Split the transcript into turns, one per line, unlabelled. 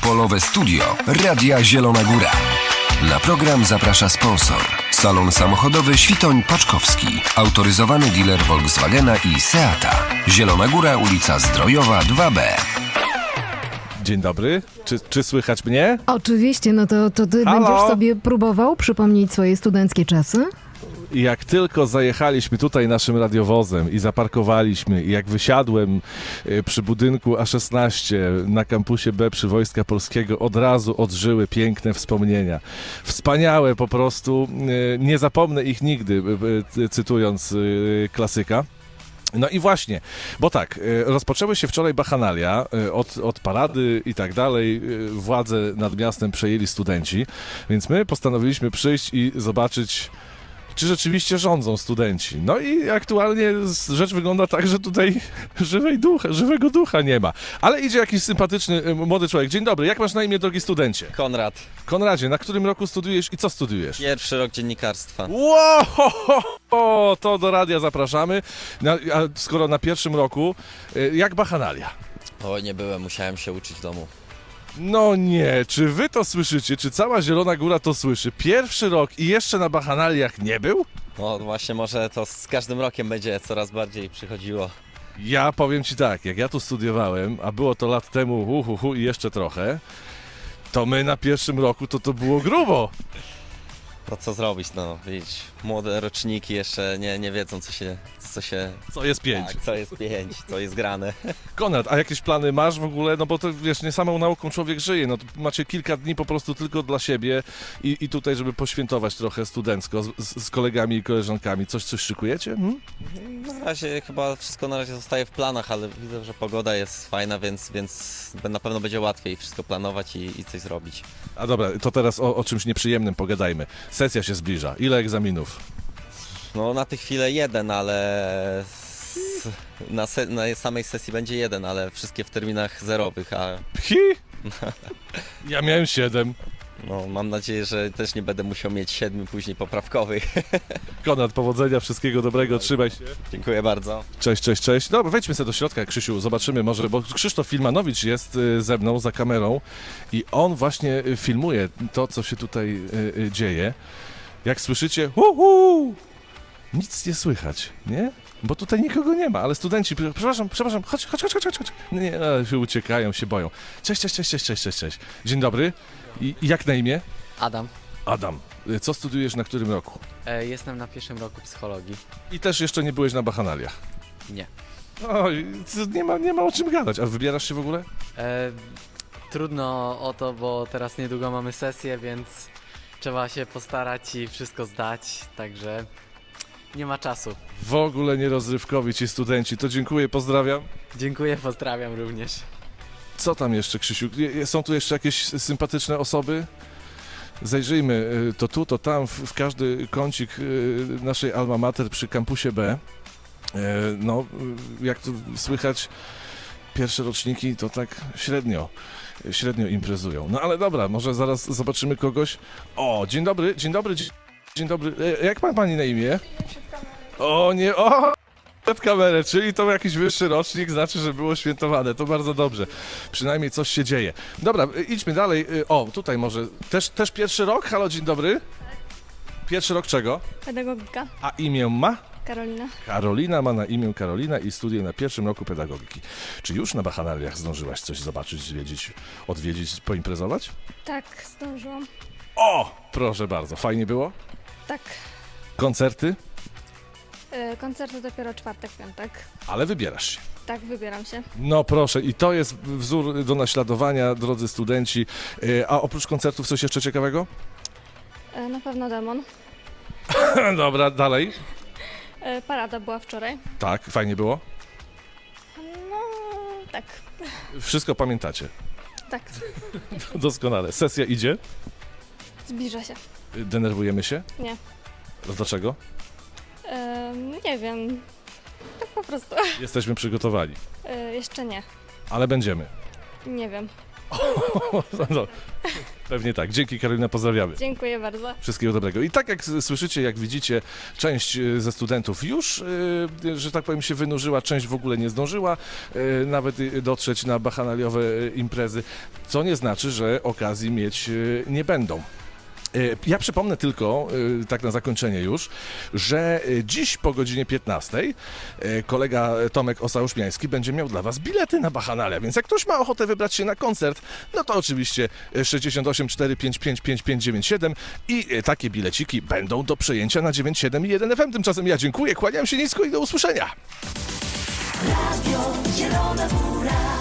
Polowe Studio Radia Zielona Góra. Na program zaprasza sponsor. Salon samochodowy Świtoń-Paczkowski. Autoryzowany dealer Volkswagena i Seata. Zielona Góra, ulica Zdrojowa 2B.
Dzień dobry. Czy słychać mnie?
Oczywiście, no to ty
Halo?
będziesz sobie próbował przypomnieć swoje studenckie czasy?
I jak tylko zajechaliśmy tutaj naszym radiowozem i zaparkowaliśmy, i jak wysiadłem przy budynku A16 na kampusie B przy Wojska Polskiego, od razu odżyły piękne wspomnienia. Wspaniałe po prostu, nie zapomnę ich nigdy, cytując klasyka. No i właśnie, bo tak, rozpoczęły się wczoraj bachanalia, od parady i tak dalej, władzę nad miastem przejęli studenci, więc my postanowiliśmy przyjść i zobaczyć, czy rzeczywiście rządzą studenci. No i aktualnie rzecz wygląda tak, że tutaj żywego ducha nie ma. Ale idzie jakiś sympatyczny młody człowiek. Dzień dobry, jak masz na imię, drogi studencie?
Konrad,
Konradzie, na którym roku studiujesz i co studiujesz?
pierwszy rok dziennikarstwa.
Wow, to do radia zapraszamy. A skoro na pierwszym roku, jak bachanalia?
Oj, nie byłem, musiałem się uczyć w domu.
No nie, czy wy to słyszycie? Czy cała Zielona Góra to słyszy? Pierwszy rok i jeszcze na bachanaliach nie był?
No właśnie, może to z każdym rokiem będzie coraz bardziej przychodziło.
Ja powiem ci tak, jak ja tu studiowałem, a było to lat temu i jeszcze trochę, to my na pierwszym roku to było grubo.
No co zrobić, no widzisz, młode roczniki jeszcze nie wiedzą
Co jest 5?
Tak, co jest 5, co jest grane.
Konrad, a jakieś plany masz w ogóle? No bo to wiesz, nie samą nauką człowiek żyje, no to macie kilka dni po prostu tylko dla siebie i tutaj, żeby poświętować trochę studencko z kolegami i koleżankami. Coś szykujecie?
Na razie chyba wszystko na razie zostaje w planach, ale widzę, że pogoda jest fajna, więc na pewno będzie łatwiej wszystko planować i coś zrobić.
A dobra, to teraz o czymś nieprzyjemnym pogadajmy. Sesja się zbliża. Ile egzaminów?
No na tę chwilę jeden, ale na samej sesji będzie jeden, ale wszystkie w terminach zerowych, a
Ja miałem 7.
no, mam nadzieję, że też nie będę musiał mieć 7 później poprawkowych.
Konrad, powodzenia, wszystkiego dobrego, trzymaj się.
Dziękuję bardzo.
Cześć. Dobra, wejdźmy sobie do środka, Krzysiu, zobaczymy może, bo Krzysztof Filmanowicz jest ze mną za kamerą i on właśnie filmuje to, co się tutaj dzieje. Jak słyszycie, nic nie słychać, nie? Bo tutaj nikogo nie ma, ale studenci, przepraszam, chodź. Nie, się uciekają, się boją. Cześć. Dzień dobry. I jak na imię?
Adam.
Adam. Co studiujesz na którym roku?
Jestem na pierwszym roku psychologii.
I też jeszcze nie byłeś na bachanaliach.
Nie.
Oj, nie ma o czym gadać. A wybierasz się w ogóle?
Trudno o to, bo teraz niedługo mamy sesję, więc trzeba się postarać i wszystko zdać, także nie ma czasu.
W ogóle nierozrywkowi ci studenci. To dziękuję, pozdrawiam.
Dziękuję, pozdrawiam również.
Co tam jeszcze, Krzysiu? Są tu jeszcze jakieś sympatyczne osoby? Zajrzyjmy to tu, to tam, w każdy kącik naszej alma mater przy kampusie B. No, jak tu słychać, pierwsze roczniki to tak średnio imprezują. No ale dobra, może zaraz zobaczymy kogoś. O, dzień dobry. Jak ma pani na imię? Przed kamerę, czyli to jakiś wyższy rocznik, znaczy, że było świętowane, to bardzo dobrze. Przynajmniej coś się dzieje. Dobra, idźmy dalej. O, tutaj może, też pierwszy rok? Halo, dzień dobry. Pierwszy rok czego?
Pedagogika.
A imię ma?
Karolina.
Karolina ma na imię Karolina i studiuje na pierwszym roku pedagogiki. Czy już na bachanaliach zdążyłaś coś zobaczyć, zwiedzić, odwiedzić, poimprezować?
Tak, zdążyłam.
O, proszę bardzo, fajnie było?
Tak.
Koncerty?
Koncerty dopiero czwartek, piątek.
Ale wybierasz się.
Tak, wybieram się.
No proszę, i to jest wzór do naśladowania, drodzy studenci. A oprócz koncertów coś jeszcze ciekawego?
Na pewno demon.
Dobra, dalej.
Parada była wczoraj.
Tak, fajnie było.
No, tak.
Wszystko pamiętacie.
Tak.
Doskonale. Sesja idzie.
Zbliża się.
Denerwujemy się?
Nie.
Dlaczego?
Nie wiem. Tak po prostu.
Jesteśmy przygotowani.
Jeszcze nie.
Ale będziemy.
Nie wiem.
No, Pewnie tak. Dzięki, Karolina, pozdrawiamy.
Dziękuję bardzo.
Wszystkiego dobrego. I tak jak słyszycie, jak widzicie, część ze studentów już, że tak powiem, się wynurzyła, część w ogóle nie zdążyła nawet dotrzeć na bacchanaliowe imprezy, co nie znaczy, że okazji mieć nie będą. Ja przypomnę tylko, tak na zakończenie już, że dziś po godzinie 15 kolega Tomek Osauszmiański będzie miał dla Was bilety na Bacchanale, więc jak ktoś ma ochotę wybrać się na koncert, no to oczywiście 68 455 5597 i takie bileciki będą do przejęcia na 97 i 1 FM. Tymczasem ja dziękuję, kłaniam się nisko i do usłyszenia.
Radio Zielona Góra.